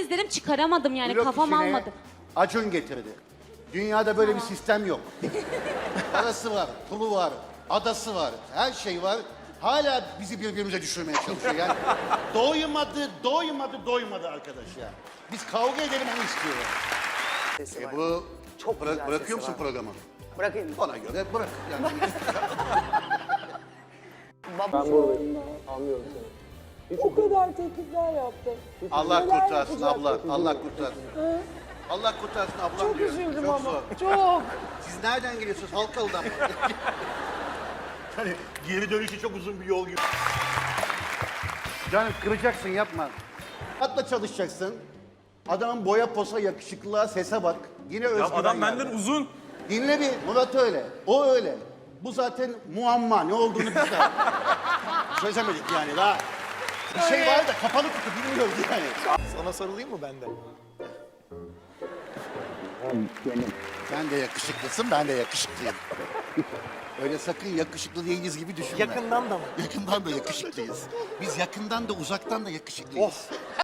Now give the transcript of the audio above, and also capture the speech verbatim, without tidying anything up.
izledim çıkaramadım yani Blok kafam işini almadı. Acun getirdi. Dünyada böyle bir sistem yok. Parası var, pulu var, adası var, her şey var. Hala bizi birbirimize düşürmeye çalışıyor yani. Doymadı, doymadı, doymadı arkadaş ya. Biz kavga edelim onu istiyor. Sesi E var. bu Çok bıra- güzel bırakıyor sesi musun var. programı? Bırakayım. Bana göre bırak yani. Baba. O kadar teklifler yaptım. Allah Neler kurtarsın abla, yapacaksın? Allah kurtarsın. Allah kurtarsın ablam Çok diyor. üzüldüm Çok ama. zor. Çok. Siz nereden geliyorsunuz? Halkalı'dan mı? Hani geri dönüşü çok uzun bir yol gibi. Canım kıracaksın yapma. Atla çalışacaksın. Adamın boya posa, yakışıklılığa, sese bak. Yine Ya özgüven adam yani. benden uzun. Dinle bir, Murat öyle. O öyle. Bu zaten muamma. Ne olduğunu biz de çözemedik yani daha. Bir şey var da kapalı kutu bilmiyoruz yani. Sana sarılayım mı benden? Sen de yakışıklısın, ben de yakışıklıyım. Öyle sakın yakışıklı değiliz gibi düşünme. Yakından da mı? Yakından da yakışıklıyız. Biz yakından da uzaktan da yakışıklıyız.